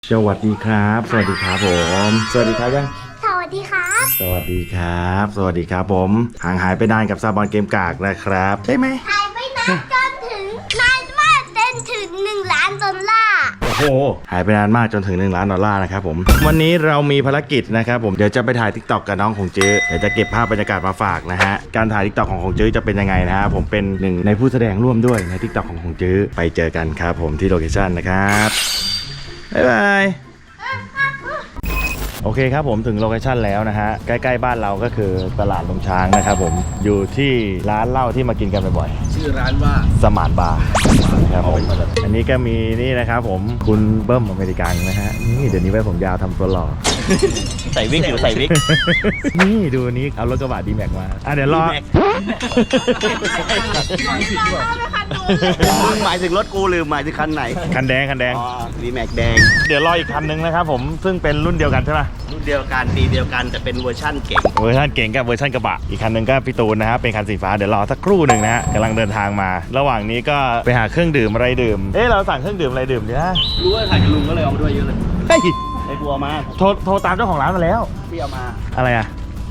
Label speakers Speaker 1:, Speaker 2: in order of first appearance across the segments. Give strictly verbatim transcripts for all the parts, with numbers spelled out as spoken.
Speaker 1: สวัสดีครับสวัสดีครับผมสวัสดีครับยัง
Speaker 2: สวัสดีครับ
Speaker 1: สวัสดีครับสวัสดีครับผมห่างหายไปนานกับซาบอนเกมกากนะครับใช่ไหม
Speaker 2: หายไปนานจนถึงนานมากจนถึงหนึ่งล้านดอลลาร์
Speaker 1: โอ้โหหายไปนานมากจนถึงหนึ่งล้านดอลลาร์นะครับผมวันนี้เรามีภารกิจนะครับผมเดี๋ยวจะไปถ่าย ทิกต็อก กับน้องของจื้อเดี๋ยวจะเก็บภาพบรรยากาศมาฝากนะฮะการถ่าย ทิกต็อก ของของจื้อจะเป็นยังไงนะฮะผมเป็นหนึ่งในผู้แสดงร่วมด้วยใน ทิกต็อก ของของจื้อไปเจอกันครับผมที่โลเคชั่นนะครับบ๊ายบายโอเคครับผมถึงโลเคชั่นแล้วนะฮะใกล้ๆบ้านเราก็คือตลาดลงช้างนะครับผมอยู่ที่ร้านเหล้าที่มากินกันบ่อย
Speaker 3: ๆชื่อร้านว่า
Speaker 1: สมานบาร์ครับผมอันนี้ก็มีนี่นะครับผมคุณเบิ้มอเมริกันนะฮะนี่เดี๋ยวนี้ไว้ผมยาวทำตัวหล่อ
Speaker 3: ใส่วิกอยู่ใส่วิก
Speaker 1: นี่ดูนี้เอารถกระบะดีแม็กมาอ่ะเดี๋ยวรอ
Speaker 3: มึงหมายถึงรถกูหรือหมายถึงคันไหน
Speaker 1: คันแดงคันแดง
Speaker 3: อ๋อวีแม็กแดง
Speaker 1: เดี๋ยวรออีกคันนึงนะครับผมซึ่งเป็นรุ่นเดียวกันใช่ไหม
Speaker 3: รุ่นเดียวกันปีเดียวกันแต่เป็นเวอร์ชั่นเก่ง
Speaker 1: เวอร์ชันเก่งกับเวอร์ชันกระบะอีกคันนึงก็พี่ตูนนะครับเป็นคันสีฟ้าเดี๋ยวรอสักครู่หนึ่งนะฮะกำลังเดินทางมาระหว่างนี้ก็ไปหาเครื่องดื่มอะไรดื่มเอ๊ะเราสั่งเครื่องดื่มอะไรดื่มดีนะ
Speaker 3: รู้ว่าถ่ายกับลุงก็เลยเอามาด้วยเยอะเลย
Speaker 1: เฮ้ย
Speaker 3: ไอ้บัวมา
Speaker 1: โทรโทรตามเจ้าของร้านมาแล้ว
Speaker 3: พี่เอามา
Speaker 1: อะไรอ่ะ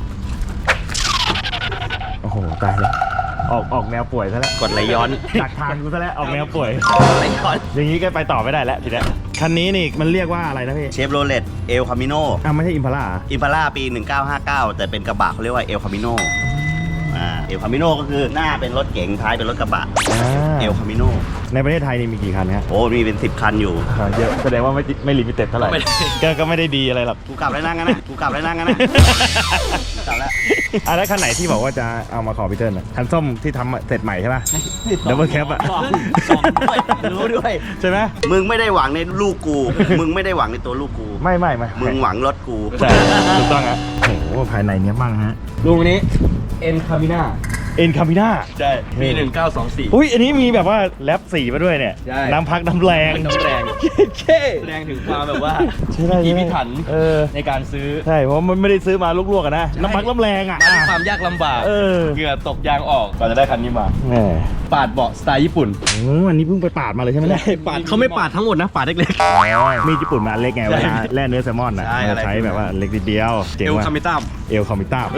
Speaker 1: โอ้โหตายแล้วออกออกแนวป่วยซะแล้ว
Speaker 3: กดไหลย้อน
Speaker 1: ดักทางกูซะแล้วออกแนวป่วย
Speaker 3: ไหลย้อน
Speaker 1: อย่างนี้ก็ไปต่อไม่ได้แล้วทีนี้คันนี้นี่มันเรียกว่าอะไรนะพี่
Speaker 3: เชฟโรเลตเอลคามิโน
Speaker 1: อ่ะไม่ใช่อิมพาร่า
Speaker 3: อิมพาร่าปีหนึ่งเก้าห้าเก้าแต่เป็นกระบะเขาเรียกว่าเอลคามิโนอ่าเอลคามิโนก็คือหน้าเป็นรถเก๋งท้ายเป็นรถกระบะเอลคามิโน
Speaker 1: ในประเทศไทยนี่มีกี่คันครับ
Speaker 3: โอ้มีเป็นสิบคันอยู่
Speaker 1: เยอะแสดงว่าไม่ไม่ลิมิเต็ดเท่าไหร่ก็ก็ไม่ได้ดีอะไรหรอก
Speaker 3: กูกลับแล้วนั่งกันนะกูกลับแล้วนั่งกันนะกลับแล้ว
Speaker 1: อ่ะแล้วคันไหนที่บอกว่าจะเอามาขอพี่เติ้ลคันส้มที่ทำเสร็จใหม่ใช่ป่ะดับเบิลแคปอ่ะ
Speaker 3: รู้ด้วย
Speaker 1: ใช่ไหม
Speaker 3: มึงไม่ได้หวังในลูกกูมึงไม่ได้หวังในตัวลูกกู
Speaker 1: ไม่ไม่ไม่
Speaker 3: มึงหวังรถกู
Speaker 1: ใช่ถูกต้องฮะโอ้โหภายในเนี้ยมั่งฮะ
Speaker 4: ลุงอันนี้เอ็นคามิน่า
Speaker 1: เอ็นคามิน่า
Speaker 3: ใช่
Speaker 4: ปีหนึ่งเก้าสองสี่
Speaker 1: อุ้ยอันนี้มีแบบว่าแรปสีมาด้วยเนี่ยน้ำพักน้ำแรง
Speaker 4: น้ำแรง
Speaker 1: เช่
Speaker 4: แสดงถึงความแบบว่า
Speaker 1: พิ
Speaker 4: พิถัน
Speaker 1: เออ
Speaker 4: ในการซื้อ
Speaker 1: ใช่เพราะมันไม่ได้ซื้อมาลวกๆกันนะน้ำพักน้ำแรงอ่ะ
Speaker 4: มันความยากลำบากเหงื่อตกยางออกก่อนจะได้คันนี้มาปาดเบาะสไตล์ญี่ปุ่น
Speaker 1: โอ้อันนี้เพิ่งไปปาดมาเลยใช่ไหมเนี่ย
Speaker 4: ปาดเขาไม่ปาดทั้งหมดนะปาดเล็ก
Speaker 1: ๆมีญี่ปุ่นมาเล็กไงเวลาแล่เนื้อแซลมอนอ่ะใช้แบบว่าเล็กนิดเดียว
Speaker 4: เอลคามิต้า
Speaker 1: เอลคามิต้า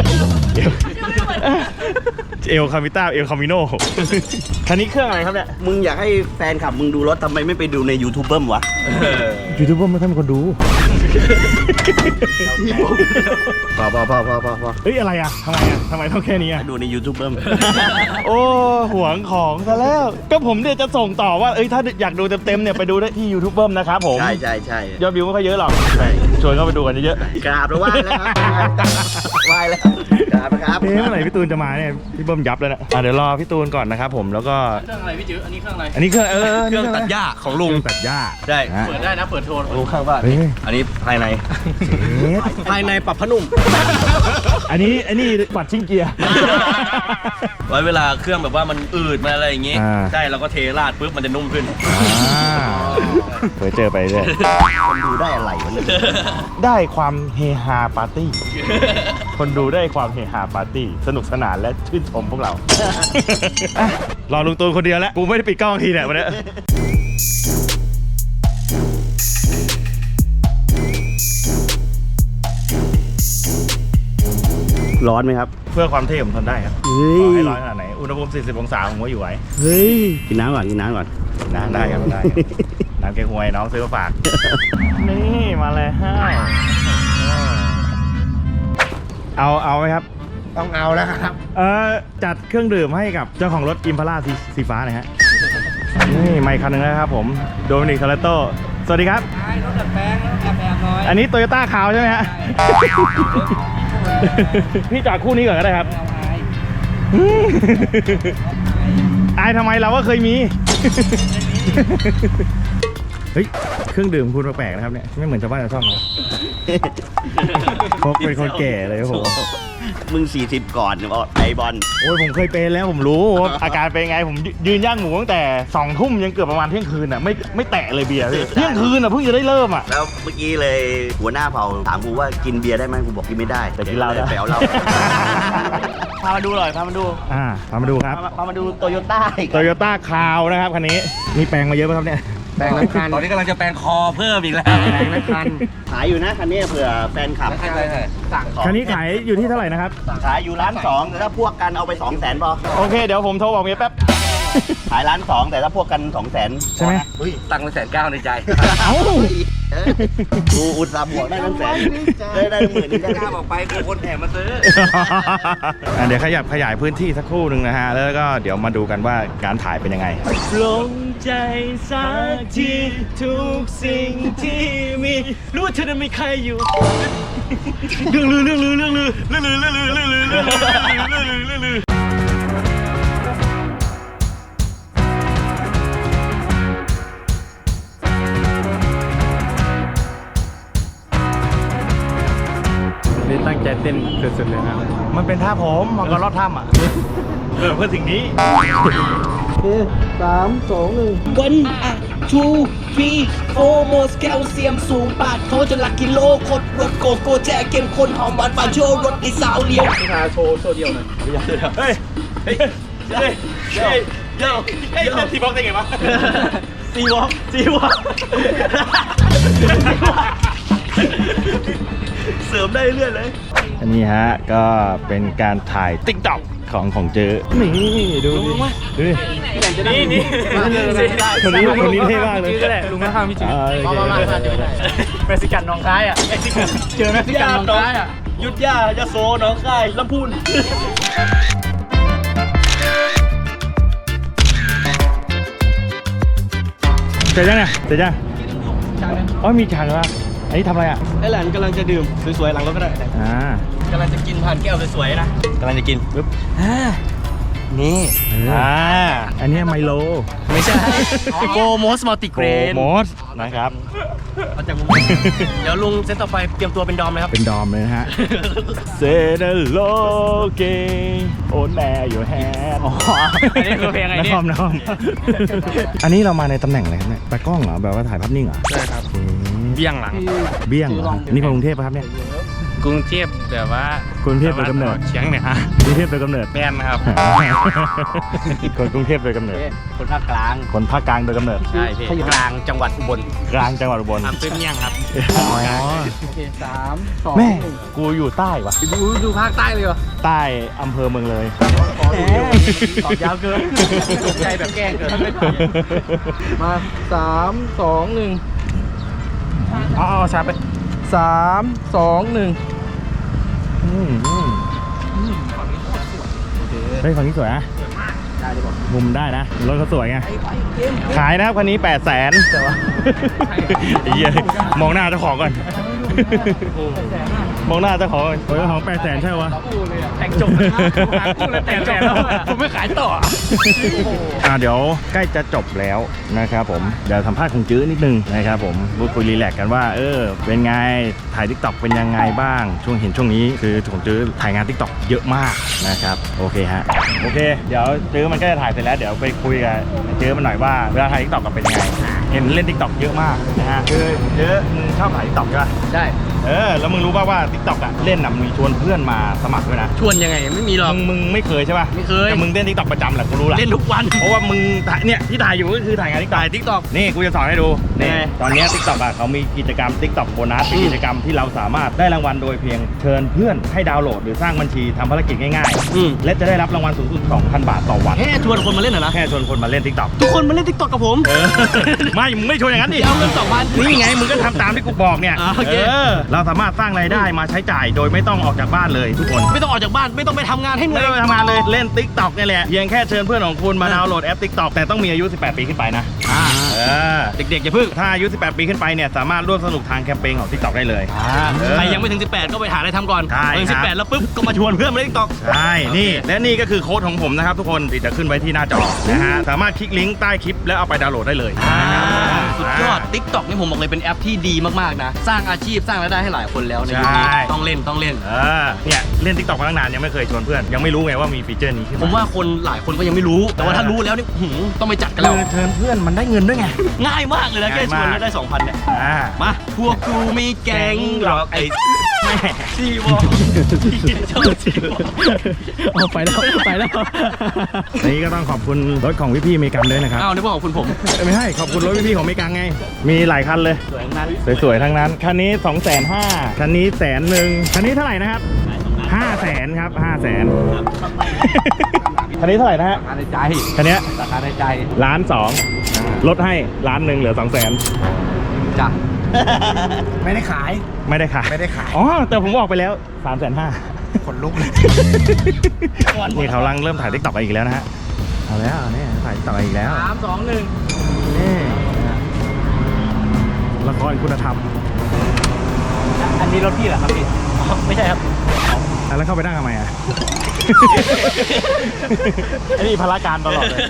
Speaker 1: เอลคามิต้าเอลคามิโนคันนี้เครื่องอะไรครับเนี่ย
Speaker 3: มึงอยากให้แฟนขับมึงดูรถทำไมไม่ไปดูในยูทูบเบิ้มวะ
Speaker 1: ยูทูบเบิ้มไม่ค่อยมีคนดู
Speaker 3: พอพอพอพอพอพอ
Speaker 1: เฮ้ยอะไรอ่ะทำไมอ่ะทำไมต้องแค่นี้อ่ะ
Speaker 3: ดูในยูทูบเบิ้ม
Speaker 1: โอ้หวงของซะแล้วก็ผมเนี่ยจะส่งต่อว่าเอ้ยถ้าอยากดูเต็มๆเนี่ยไปดูได้ที่ยูทูบเบิ้มนะครับผม
Speaker 3: ใช่ใช่ใช่
Speaker 1: ยอดวิวไม่ค่อยเยอะหรอกชวนเข้าไปดูกันเยอะ
Speaker 3: ๆกราบแล้วไหว้แล้วไหว้แล้วกราบครับ
Speaker 1: เฮ้ยเมื่อไหร่พี่ตูนจะมาเนี่ยพี่เบิ้มยับแล้วนะอ่ะเดี๋ยวรอพี่ตูนก่อนนะครับผมแล้วก็
Speaker 4: เครื่องอะไรพี่จื้ออันนี้เครื่องอะไร
Speaker 1: อันนี้เครื่องเออ
Speaker 4: เครื่องตัดหญ้าของลุง
Speaker 1: ตัดหญ้า
Speaker 4: ใช่เปิดได้นะเปิดโทนลุงข้างบ้าน
Speaker 3: อันนี้ภายใน
Speaker 4: ภายในปรับผ้านุ่ม
Speaker 1: อันนี้อันนี้ปัดชิงเกียร์
Speaker 4: ไว้เวลาเครื่องแบบว่ามันอืดมาอะไรอย่างงี้ใช่เราก็เทราดปุ๊บมันจะนุ่มขึ้น
Speaker 1: เคยเจอไปเลย
Speaker 3: คนดูได้อะไรวะเนี่ย
Speaker 1: ได้ความเฮฮาปาร์ตี้คนดูได้ความเฮฮาปาร์ตี้สนุกสนานและชื่นชมพวกเรารอลุงตูนคนเดียวแล้วกูไม่ได้ปิดกล้องทีเนี่ยวันนี้
Speaker 3: ร้อนไหมครับ
Speaker 1: เพื่อความเท่ผมทนได้ครับต่อให้ร้อนขนาดไหนอุณหภูมิสี่สิบองศาผมก็อยู่ไหว
Speaker 3: เฮ้ยกินน้ำก่อนกินน้ำก่อน
Speaker 1: น้ำได้ครับได้น้ำแกงหวยน้องซื้อมาฝากนี่มาเลยฮะเอาเอาไหมครับ
Speaker 3: ต้องเอาแล้วครับ
Speaker 1: เออจัดเครื่องดื่มให้กับเจ้าของรถอิมพาร่าสีฟ้าหน่อยฮะนี่ไมค์คันหนึ่งนะครับผมโดมินิก ทอเรโต้สวัสดีครับ
Speaker 4: รถดัดแปลงรถดัดแปลงน้อย
Speaker 1: อันนี้โตโยต้าขาวใช่ไหมฮะพี่จอดคู่นี้ก่อนก็ได้ครับอายทำไมเราก็เคยมีเฮ้ยเครื่องดื่มคุณแปลกๆนะครับเนี่ยไม่เหมือนชาวบ้านชาวช่องเลยพกเป็นคนแก่เลยโห
Speaker 3: มึงสี่สิบก่อนไอบอล
Speaker 1: โอ้ยผมเคยเป็นแล้วผมรู้อาการเป็นไงผมยืนย่างหมูตั้งแต่สองทุ่มยังเกือบประมาณเที่ยงคืนอ่ะไม่ไม่แตะเลยเบียร์เที่ยงคืนอ่ะเพิ่งจะได้เริ่มอ่ะ
Speaker 3: แล้วเมื่อกี้เลยหัวหน้าเผ่าถามกูว่ากินเบียร์ได้ไหมกูบอกกินไม่ได้
Speaker 1: แต่กินเหล้าได้
Speaker 3: ไปเอาเหล้าพามาดูหน่อยพามาดู
Speaker 1: อ่าพามาดูครับ
Speaker 3: พามาดูโตโยต้า
Speaker 1: โตโยต้าคาวนะครับคันนี้มีแปลงมาเยอะไหมครับเนี่ย
Speaker 5: แปลงน้ำคัน
Speaker 4: ตอนนี้กำลังจะแปลงคอเพิ่มอีกแล้ว
Speaker 5: แปลงน้ำคัน
Speaker 3: ขายอยู่นะคันนี้เผื่อแฟนคลับ
Speaker 5: สั่ง
Speaker 1: คันนี้ขายอยู่ที่เท่าไหร่นะครับ
Speaker 3: ขายอยู่ร้านสองแต่ถ้าพวกกันเอาไปสองแสนพอ
Speaker 1: โอเคเดี๋ยวผมโทรบอกเมียแป๊บ
Speaker 3: ขายร้านสองแต่ถ้าพวกกันสองแสน
Speaker 1: ใช่ไหม
Speaker 4: ตังค์แสนเก้าในใจ
Speaker 1: เอ้า
Speaker 3: กูอุตส่าห์บวกได้ตั้งแสนได้ได้หมื่นนึงได้
Speaker 4: กล้าบอกไปกูคนแถมมาซื้อ
Speaker 1: อ่ะเดี๋ยวขยับขยายพื้นที่สักครู่หนึ่งนะฮะ แล้วก็เดี๋ยวมาดูกันว่าการถ่ายเป็นยังไง
Speaker 4: ลงใจสักทีทุกสิ่งที่มีรู้ว่าเธอนั้นไม่ใครอยู่เรื่องลือเรื่องลือเรื่องลือเรื่องลือเรื่องลือเรื่องลือเรื่องลือเรื่องลือ
Speaker 5: นี่ตั้งใจเต้นสุดๆเลยนะ
Speaker 1: มันเป็นท่าผมมังกรรอดถ้ำอ่ะเออเพื่อสิ่งนี้
Speaker 5: สามสองหนึ่ง
Speaker 6: วันอะทูฟีโอโมสแคลเซียมสูงปาดโทจะหลักกิโลคดรถโกโก้แจกเก็มคนหอมหวานฟานโชว์รถในสาวเลี้ยว
Speaker 5: พิธาโชว์โชว์เดียวหน่อย
Speaker 1: เฮ้ย เฮ้ย เฮ้ย เฮ้ยเฮ้ยเฮ้ยเล่นทีบ็อกซ์ได้ไงวะ
Speaker 4: ซีวอล์กซีวอล์กเสริมได้เรื่อยเลย
Speaker 1: อันนี้ฮะ ก็เป็นการถ่ายติ๊กต็อกของของเจอ นี่ดูดิดูดิ
Speaker 4: นี่นี่
Speaker 1: คนนี้คนนี้เท่มากเลย
Speaker 5: ก็แหละลุงข้างๆพี่จืด
Speaker 1: อ่า
Speaker 5: มามามาเจอได้เมสิกันน้องคายอ่ะเจอเมสิกันน้องคายอ่ะ
Speaker 4: ยุทธยายาโซหน้องคายลำพูน
Speaker 1: เสร็จยังเนี่ยเสร็จยังอ๋อมีจานเหรออันนี้ทำอะไรอ่ะ
Speaker 4: ไอ้หลานกำลังจะดื่มสวยๆหลังรถก็ได้
Speaker 1: อ่าก
Speaker 4: ำลังจะกินผ่านแก้วสวยๆนะกำลังจะกินปึ๊บนี่
Speaker 1: อ่าอันนี้ไมโล
Speaker 4: ไม่ใช่โกโมสมัลติเกรน
Speaker 1: โมสนะครับ
Speaker 4: เอาจากมุมเดี๋ยวลุงเซตต่อไปเตรียมตัวเป็นดอมเลยครับ
Speaker 1: เป็นดอมเลยนะฮะ เซเดโลเกโอนแม่อยู่แฮนอ๋อ
Speaker 5: อันนี้คือเพลงอะไรเนี่ย
Speaker 1: คอมนะคอมอันนี้เรามาในตำแหน่งอะไรครับเนี่ยตากล้องเหรอ แบบว่าถ่ายภาพนิ่งเหรอ
Speaker 5: ใช่ครับเบี้ยงหลัง
Speaker 1: เบี้ยงเหรอ นี่คนกรุงเทพป่ะครับเนี่ย
Speaker 5: กรุงเทพแบบว่าก
Speaker 1: รุงเทพโดยกำเนิด
Speaker 5: เชียงเนี่ยฮะ
Speaker 1: กรุงเทพโดยกำเนิด
Speaker 5: แมนครับ
Speaker 1: คนกรุงเทพโดยกำเนิด
Speaker 5: คนภาคกลาง
Speaker 1: คนภาคกลางโดยกำเนิด
Speaker 5: ใช่พี่กลางจังหวัดอุบล
Speaker 1: กลางจังหวัดอุบล
Speaker 5: อำเภอเมียงครับ
Speaker 1: อ๋อ
Speaker 5: โอเคสามสอง
Speaker 1: แม่ กูอยู่ใต้วะ
Speaker 5: ดูดูภาคใต้เลยเหรอ
Speaker 1: ใต้อำเภอเมืองเลย
Speaker 5: ขอดูเดียวตอบยาวเกินตกใจแบบแกล้งเกินมาสามสองหนึ่งเอาเอาชาร์จไปสามสองหนึ่ง
Speaker 1: อืมอืมเฮ้ยฝั่งนี้สวยนะมุมได้นะ รถเขาสวยไง ขายนะครับคันนี้แปดแสนแต่ว่าเหี้ยมองหน้าเจ้าของก่อน มองหน้าเจ้าของก่อนโอ้ยเจ้าของแปดแสนใช่ปะ
Speaker 5: แต่งจบแล้วหาคู่แล้วแต่งจบแล้วผมไม่ขายต่อ
Speaker 1: อ่าเดี๋ยวใกล้จะจบแล้วนะครับผม เดี๋ยวสัมภาษณ์ของจื้อนิดนึงนะครับผมพูดคุยรีแลกซ์กันว่า เออ เป็นไง ถ่ายทิกตอกเป็นยังไงบ้าง ช่วงเห็นช่วงนี้คือของจื้อถ่ายงานทิกตอกเยอะมากนะครับ โอเคฮะ โอเค เดี๋ยวจื้อมันก็จะถ่ายเสร็จแล้ว เดี๋ยวไปคุยกับจื้อมันหน่อยว่าเวลาถ่ายทิกตอกกันเป็นยังไง เห็นเล่นทิกตอกเยอะมากนะฮะ คือจื้อมึงชอบถ่ายทิกตอกใช่ปะ
Speaker 5: ใช่
Speaker 1: เออ แล้วมึงรู้ป่าวว่าทิกตอกอะเล่นน่ะมีชวนเพื่อนมาสมัครด้วยนะ
Speaker 5: ชวนยังไงไม่มีหรอก
Speaker 1: มึงมึงไม่เคยใช่ป่ะ
Speaker 5: ไม่เคย
Speaker 1: แต่มึงเล่นทิกตอกประจำแหละกูรู้แหละ
Speaker 5: เล่นทุกวัน
Speaker 1: เพราะว่ามึงถ่ายเนี่ยที่ถ่ายอยู่ก็คือถ่ายงานทิกตอกทิกตอกนี่กูจะสอนให้ดูนี่ตอนเนี้ทิกตอกอ่ะเขามีกิจกรรมทิกตอกโบนัสเป็นกิจกรรมที่เราสามารถได้รางวัลโดยเพียงเชิญเพื่อนให้ดาวน์โหลดหรือสร้างบัญชีทำภารกิจง่าย
Speaker 5: อืม
Speaker 1: ๆ และจะได้รับรางวัลสูงสุด สองพัน บาทต่อวัน
Speaker 5: แค่ชวนคนมาเล่นเหรอนะ
Speaker 1: แค่ชวนคนมาเล่นทิกตอก
Speaker 5: ทุกคนมาเล่นทิกตอกกับผม
Speaker 1: เออ ไม่มึงไม่ชวนอย่างนั้นดิ
Speaker 5: เอาเงินสองพัน
Speaker 1: นี่ไงมึงก็ทำตามที่กูบอกเนี่ย
Speaker 5: อ่าโอเค
Speaker 1: เออเราสามารถสร้างรายได้มาใช้จ่ายโดยไม่ต้องออกจากบ้านเลยทุกคน
Speaker 5: ไม่ต้องออกจากบ้านไม่ต้องไปทำงานให้เหนื่
Speaker 1: ไม่
Speaker 5: อย
Speaker 1: ต้องไปทำงานเลยเล่น TikTok เนี่ยแหละเพียงแค่เชิญเพื่อนของคุณมาดาวน์โหลดแอป TikTok แต่ต้องมีอายุ สิบแปด ปีขึ้นไปนะ
Speaker 5: อ่า
Speaker 1: เออ
Speaker 5: เด็กๆอย่าพึ่ง
Speaker 1: ถ้าอายุ สิบแปด ปีขึ้นไปเนี่ยสามารถร่วมสนุกทางแคมเปญของ TikTok ได้เลย เออ
Speaker 5: ใครยังไม่ถึงสิบแปดก็ไปหาอะไรทำก่อน
Speaker 1: ใช่
Speaker 5: พอถึง
Speaker 1: ค
Speaker 5: สิ
Speaker 1: รั
Speaker 5: บบ แปดแล้วปุ๊บก็มาชวนเพื่อนมาเล่นทิกตอก
Speaker 1: ใช่นี่และนี่ก็คือโค้ดของผมนะครับทุกคนที่จะขึ้นไว้ที่หน้าจอนะฮะสามารถคลิกลิงก์ใต้คลิปแล้วเอาไปดาวน์โหลดได้เลยนะครับ
Speaker 5: สุดยอด ทิกตอกนี่ผมบอกเลยเป็นแอปที่ดีมากๆนะ สร้างอาชีพสร้างรายได้ให้หลายคนแล้วในยุคนี้
Speaker 1: ใช่
Speaker 5: ต้องเล่นต้องเล่น
Speaker 1: เออเนี่ยเล่น TikTok มาตั้งนานยังไม่เคยชวนเพื่อนยังไม่รู้ไงว่ามีฟีเจอร์นี้ขึ้น
Speaker 5: ผมว่าคนหลายคนก็ยังไม่รู้ แต่ว่าถ้ารู้แล้วนี่หืมต้องไปจัดกันแล้ว
Speaker 1: คือเชิญเพื่อนมันได้เงินด้วยไง
Speaker 5: ง่ายมากเลยนะแค่ชวน
Speaker 1: ง่ายมาก
Speaker 5: แล้วได้สองพันเนี่ย
Speaker 1: อ่า
Speaker 5: มาพวกกูมีแก๊งหรอกไอ้
Speaker 4: สี่วอชอบสี่วอ
Speaker 5: เอาไปแล้วไปแล้ว
Speaker 1: อันนี้ก็ต้องขอบคุณรถของพี่ๆเมกันด้วยนะครับ
Speaker 5: อ้าวนึกว่าของคุณผม
Speaker 1: เอ้ยไม่ใช่ขอบคุณรถพี่ๆของเมกันไง มีหลายคันเลย
Speaker 5: สวยนั้น
Speaker 1: สวยๆทั้งนั้น คันนี้สองแสนห้าคันนี้แสนหนึ่งคันนี้เท่าไหร่นะครับห้าแสนครับห้าแสนคันนี้เท่าไหร่นะฮะ
Speaker 5: ราคาในใจ
Speaker 1: คันเนี้ย
Speaker 5: ราคาในใจ
Speaker 1: ล้านสองลดให้ล้านหนึ่งเหลือสองแสน
Speaker 5: จ้ะ
Speaker 1: ไม่ได้ขายไม่ได้ขายไม่ได้ขายอ๋อแต่ผมบอกไปแล้วสามแสนห้าคนลุกเลยนี่เขากำลังเริ่มถ่ายทิกตอกอีกแล้วนะฮะเอาแล้วเนี่ยถ่ายทิกตอกอีกแล้ว
Speaker 5: สามสองหนึ่ง
Speaker 1: นี่ละครคุณธรรม
Speaker 5: อันนี้รถพี่เหรอครับพี่
Speaker 4: ไม่ใช่ครับ
Speaker 1: อ่ะแล้วเข้าไปนั่งทำไมอ่ะ ไอ้นี่พละการตลอดเลย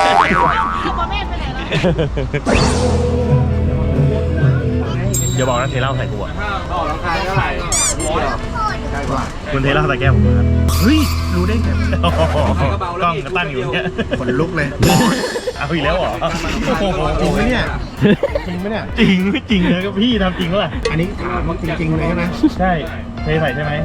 Speaker 1: อย่าบอกนะเทเหล้าใส่กูอ่ะ
Speaker 5: ต่อราคาเท่าไหร่ร้อย
Speaker 1: คุณเทเหล้าใส่แก้วผมครับเฮ้ย รู้ได้ไงกล้องก็ตั้งอยู่เนี่ย
Speaker 7: ขนลุกเลย
Speaker 1: เอาอีกแล้วเหรอ
Speaker 7: จริงไหมเนี่ย จริงไหมเนี่ย
Speaker 1: จริงไม่จริงนะก็พี่ทำจริงเปล่า
Speaker 7: อันนี้ถามว่าจริงๆเลยใช่ไหม
Speaker 1: ใช่เทใส่ใช่ไหม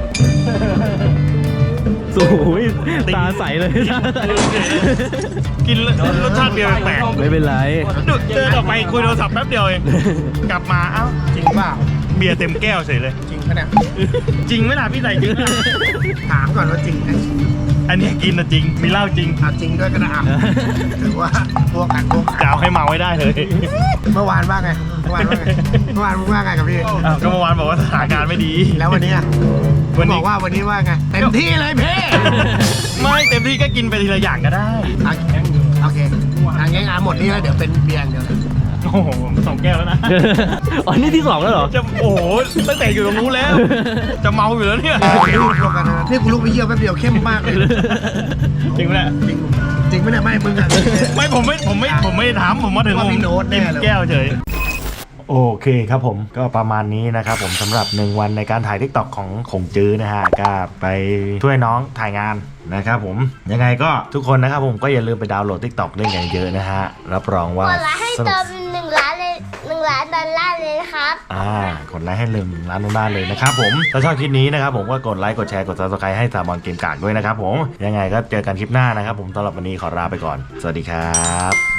Speaker 5: สวยตาใสเลย
Speaker 1: กินรสชาติเดียวแปลก
Speaker 5: ไม่เป็นไร
Speaker 1: เดินออกไปคุยโทรศัพท์แป๊บเดียวเองกลับมาเอ้า
Speaker 7: จริงเปล่า
Speaker 1: เบียร์เต็มแก้วเฉยเลย
Speaker 7: จริงปะเนี่ย
Speaker 1: จริงไหมล่ะพี่ใส่จริง
Speaker 7: ถามก่อนว่าจริงไหม
Speaker 1: อันนี้กินนะจริงมีเหล้าจริง
Speaker 7: เอาจริงด้วยก็ได้อ่ะถือว่าพวกกันพวก
Speaker 1: จะเอาให้เมาไว้ได้เลย
Speaker 7: เมื่อวานว่าไง เมื่อวานว่าไง เมื่อวานมึงว่าไงกับพี่
Speaker 1: อ้าวก็เมื่อวานบอกว่าสถานการณ์ไม่ดี
Speaker 7: แล้ววันนี้อ่ะ
Speaker 1: วันนี้
Speaker 7: บอกว่าวันนี้ว่าไง เต็มที่เลยพี่
Speaker 1: ไม่เต็มที่ก็กินไปทีละอย่างก็ได้
Speaker 7: อ่ะโอเคทางงี้งานหมดนี่แล้วเดี๋ยวเป็นเบียร์อย่างเดียวเลย
Speaker 1: โอ้โหสองแก้วแล้วนะ
Speaker 5: อ๋อนี่ที่สองแล้วเหรอ
Speaker 1: จะโอ้โหตั้งแต่อยู่ตรงนู้นแล้ว จะเมาอยู่แล้วเนี่ย
Speaker 7: นี่กูลุกกันนะนี่กูลุกไปเยี่ยวแป๊บเดียวเข้มมากเลย
Speaker 1: จริงไหมเนี่ย
Speaker 7: จริง จริงไหมเนี่ยไม่มึงอ่ะ
Speaker 1: ไม่ผมไม่ผมไม่ผมไม่ถามผมมาถึง
Speaker 7: ว่าพี่โน้ตแน่
Speaker 1: เต็ม
Speaker 7: เลย
Speaker 1: แก้วเฉยโอเคครับผมก็ประมาณนี้นะครับผมสำหรับหนึ่งวันในการถ่ายทิกตอกของขงจื้อนะฮะก็ไปช่วยน้องถ่ายงานนะครับผมยังไงก็ทุกคนนะครับผมก็อย่าลืมไปดาวน์โหลดทิกตอกเล่นกันเยอะนะฮะรับรองว่าก
Speaker 2: ดไลค์ให้
Speaker 1: สนุ
Speaker 2: เติ
Speaker 1: ก
Speaker 2: มหนึ่งล้านเลยหนึ่งล้านดอลลาร์เลยนะครับ
Speaker 1: อ่ากดไลค์ให้ลืมร้านนู้นได้เลยนะครับผมถ้าชอบคลิปนี้นะครับผมก็กดไลค์กดแชร์กด ซับสไครบ์ ให้สามบอลเกมกากด้วยนะครับผมยังไงก็เจอกันคลิปหน้านะครับผมสำหรับวันนี้ขอลาไปก่อนสวัสดีครับ